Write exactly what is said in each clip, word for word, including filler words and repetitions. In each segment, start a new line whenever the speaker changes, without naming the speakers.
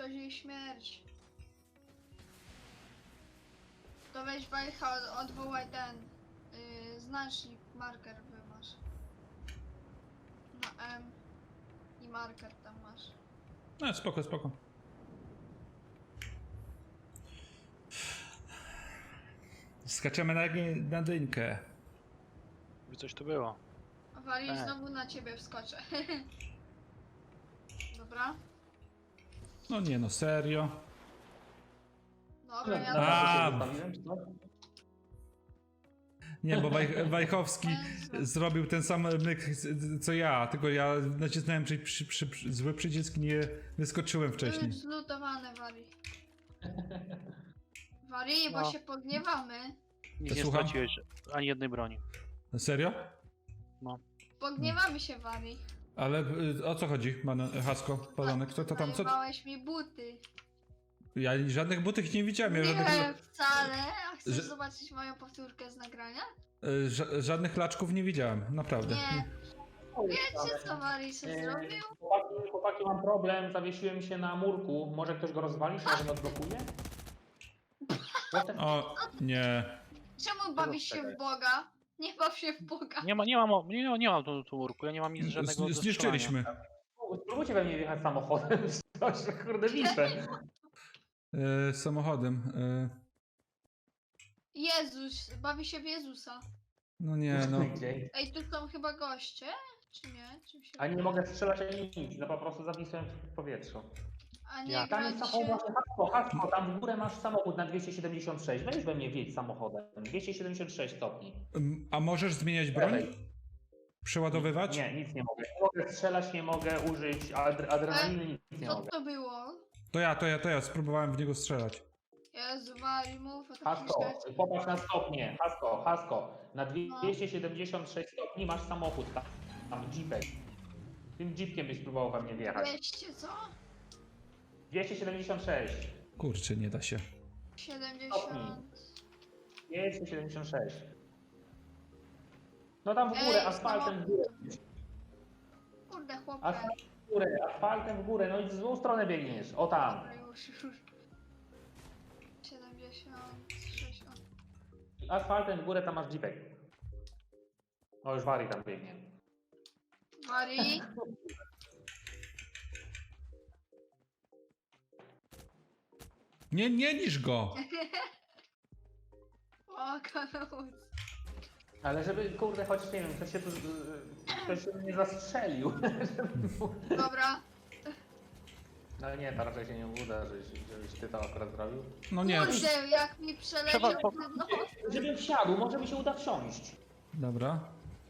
grozi jej śmierć. To weź Wajcha, od, odwołaj ten yy, znacznik, marker wymasz. Na M i marker tam masz.
No spoko, spoko. Skaczemy na, na dynkę.
By coś tu było.
Wali,
Tak.
znowu na ciebie wskoczę. Dobra.
No nie no, serio.
Dobra, ja
A,
to...
Zostawiłem, czy co?
Nie, bo Waj, Wajchowski
Jezu.
zrobił ten sam myk co ja, tylko ja nacisnąłem przy, przy, przy, przy, zły przycisk i nie wyskoczyłem
To
wcześniej.
już zlutowane, Wali. Wali, bo
No.
się pogniewamy.
Nic
To
nie
słucham?
straciłeś ani jednej broni.
Serio?
Pogniewamy się, Wali.
Ale y, o co chodzi, man, Hasko, Palonek? Co to tam, co?
Zajebałeś mi buty.
Ja żadnych butych nie widziałem, ja
Nie
żadnych,
wcale. A chcesz
Że-
zobaczyć moją powtórkę z nagrania?
y, ża- żadnych laczków nie widziałem, naprawdę.
Nie. Wiecie co Wali się
Eee,
zrobił?
Chłopaki, chłopaki, mam problem, zawiesiłem się na murku. Może ktoś go rozwali, czy może go odblokuje? What the-
O, nie.
Czemu bawisz się w Boga? Nie baw się w Boga.
Nie ma, nie mam, o- nie, nie mam tu, tu urku, ja nie mam nic żadnego
Z,
do
zniszczyliśmy.
Spróbujcie we mnie wjechać samochodem. Coś, kurde, wiszę.
Y, samochodem. Y,
Jezus, bawi się w Jezusa.
no nie, no.
Gdzie?
Ej, tu są chyba goście? Czy nie? Czym się...
A nie mogę strzelać ani nic, no po prostu zawisłem w powietrzu.
A nie
Ja.
Tam jest
grać
samochód,
się...
hasło, hasło, tam w górę masz samochód na dwieście siedemdziesiąt sześć. Weź we mnie wjedź samochodem. dwieście siedemdziesiąt sześć stopni.
Ym, A możesz zmieniać broń?
Lewej.
Przeładowywać?
Nie, nic nie mogę. Nie mogę strzelać, nie mogę użyć adre- adrenaliny, nic nie
Co
mogę.
to było?
To ja, to ja, to ja, spróbowałem w niego strzelać.
Jezu, Wali, mów, a to
Hasko,
przecież...
popatrz na stopnie. Hasko, Hasko. Na
No.
dwieście siedemdziesiąt sześć stopni masz samochód tam. Tam jeepek. Tym jeepkiem byś próbował we mnie wjechać.
dwieście co?
dwieście siedemdziesiąt sześć.
Kurczę, nie da się.
siedemdziesiąt...
dwieście siedemdziesiąt sześć. No tam w
Ej,
górę, asfaltem w górę.
Kurde, chłopie.
Asfaltem w górę, asfaltem w górę. No i w złą stronę biegniesz. O tam.
Dobra, już, już. siedemdziesiąt sześć... o.
Asfaltem w górę, tam masz jeepek. O, już Wari tam biegnie.
Wali?
Nie, nie niż go!
O, kanał.
Ale żeby, kurde, choć nie wiem, ktoś się tu, ktoś się nie zastrzelił.
Dobra.
No nie, to raczej się nie uda, żebyś, żebyś ty to akurat zrobił.
No nie, przy...
Kurde, jak mi przeleciał
Trzeba po-
ten nos.
Żebym wsiadł, może mi się uda wsiąść.
Dobra.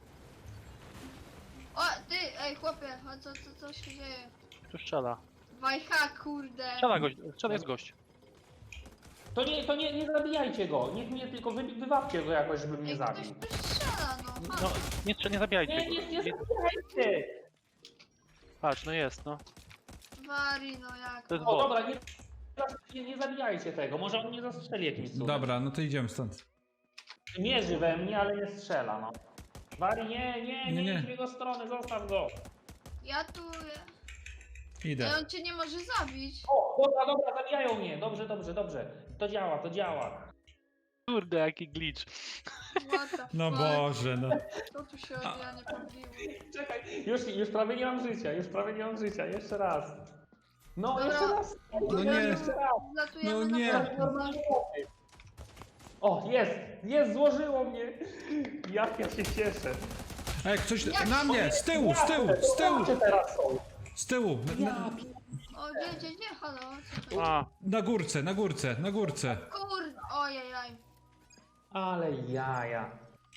O, ty, ej chłopie, a co, co, co się dzieje?
Tu strzela.
Wajcha, kurde.
Strzela gość, strzela jest gość.
To nie, to nie, nie zabijajcie go, niech mnie tylko wy, wywawcie go jakoś, żeby mnie
Ej, ktoś
zabił.
tu strzela, no.
No, nie, strzel- nie zabijajcie
Nie,
go.
nie, nie
Nie-
zabijajcie!
Patrz, no jest, no.
Wari, no jak?
To jest
O,
bot.
dobra, nie, nie, nie zabijajcie tego, może on mnie zastrzeli jakimś cudem.
Dobra, no to idziemy stąd.
Mierzy we mnie, ale nie strzela, no. Wari, nie, nie,
Nie,
nie,
nie.
idź w jego stronę, zostaw go.
Ja tu... Ej,
Idę.
on cię nie może zabić.
O, dobra, dobra, zabijają mnie, dobrze, dobrze, dobrze. To działa, to działa.
Kurde, jaki glitch.
What the
No
fuck?
Boże, no.
To tu się od ja nie pobiło.
Czekaj, już, już prawie nie mam życia, już prawie nie mam życia, jeszcze raz. No,
Dobra.
jeszcze raz.
No nie.
Jeszcze raz.
Zlatujemy
No nie.
na pewno.
O, jest, jest, złożyło mnie. Jak ja się cieszę.
Ej, ktoś
Jak
na mnie! Z tyłu, z tyłu, z tyłu!
Zobaczcie teraz są.
Z tyłu! Na, na,
O, gdzie, gdzie, gdzie, halo? Co to?
A,
na górce, na górce, na górce.
Kurde, ojejaj.
Ale jaja.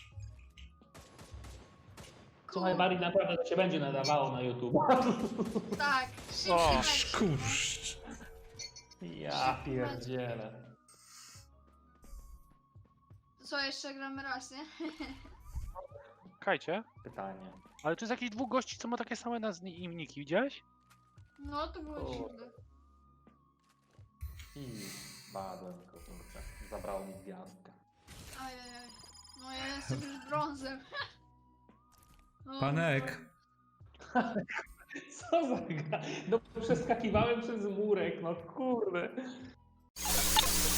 Słuchaj, Bari, naprawdę to się będzie nadawało na YouTube.
Tak,
O,
szybciej.
Szkurcz.
Ja pierdzielę.
Co, jeszcze gramy raz, nie?
kajcie.
Pytanie.
Ale tu jest jakiś dwóch gości, co ma takie same nazwy i niki, widziałeś?
No, to było
O.
dziwne.
I spadłem, kurczę. Zabrało mi gwiazdkę.
Ajajaj. No ja jestem już brązem. O,
Panek,
Co za gra? No przeskakiwałem przez murek, no kurde.